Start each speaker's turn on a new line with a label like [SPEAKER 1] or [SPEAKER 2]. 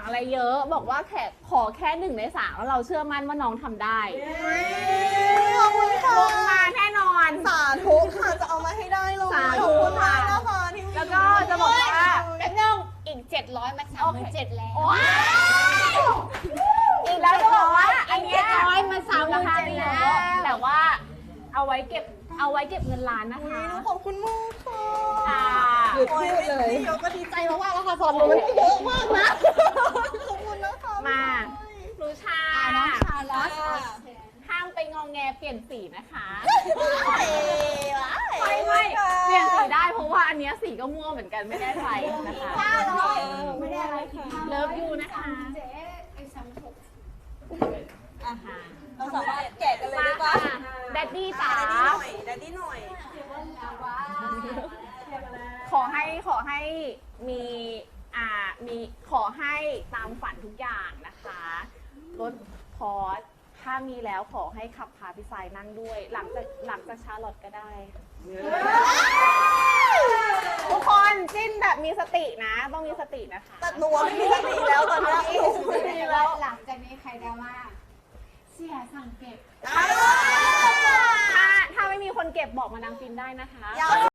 [SPEAKER 1] อะไรเยอะบอกว่าขอแค่1 ใน 3แล้วเราเชื่อมั่นว่าน้องทำได้
[SPEAKER 2] ขอบคุณค่ะ
[SPEAKER 1] ลงมาแน่นอน
[SPEAKER 2] สาธุค่ะจะเอามาให้ได้เลย
[SPEAKER 1] สาธุ
[SPEAKER 2] ขอบคุณมากนะคะที่มี
[SPEAKER 1] แล้วก็จะบอกว่า
[SPEAKER 3] แป๊บนึงอีก700มา37,000แล้ว
[SPEAKER 1] อีกแล้วจะบอกว่าอันเนี้ย
[SPEAKER 3] 700มา37,000แล้ว
[SPEAKER 1] แต่ว่าเอาไว้เก็บเงินล้านนะคะ
[SPEAKER 2] ขอบคุณมากค่ะ
[SPEAKER 1] ค่ะ
[SPEAKER 2] หยุดพูดเลยเดี๋ยวก็ดีใจมากๆแล้วค่ะสอนหนูมันเยอะมากนะขอบคุณนะคะ
[SPEAKER 1] มาหนูชา
[SPEAKER 3] น้องชาลัส
[SPEAKER 1] ห้ามไปงองแงเปลี่ยนสีนะคะ
[SPEAKER 2] ไม่
[SPEAKER 1] ไม่เปลี่ยนสีได้เพราะว่าอันเนี้ยสีก็ม่วงเหมือนกันไม่ได้ใส่นะคะ
[SPEAKER 3] ไม่ได้อะไรค่ะ
[SPEAKER 1] เลิฟยูนะคะ
[SPEAKER 3] เจ๊ไอ้36
[SPEAKER 2] เราสามารถแกะกันเลยได้ปะ
[SPEAKER 1] แดดดี้จ๋า
[SPEAKER 2] แดดดี้หน่อย
[SPEAKER 1] ขอให้มีขอให้ตามฝันทุกอย่างนะคะรถพอร์ชถ้ามีแล้วขอให้ขับพาพี่สายนั่งด้วย หลังจากชาร์ลอตก็ได้ ทุกคนจิ้นแบบมีสตินะต้องมีสตินะคะ
[SPEAKER 2] แต่หนูไม่มีสติแล้วตอนนี้
[SPEAKER 3] แล้วหลังจากนี้ใครดราม่าเสียสั่งเก็บ
[SPEAKER 1] ถ้าไม่มีคนเก็บบอกมานางฟินได้นะคะ
[SPEAKER 2] อย่า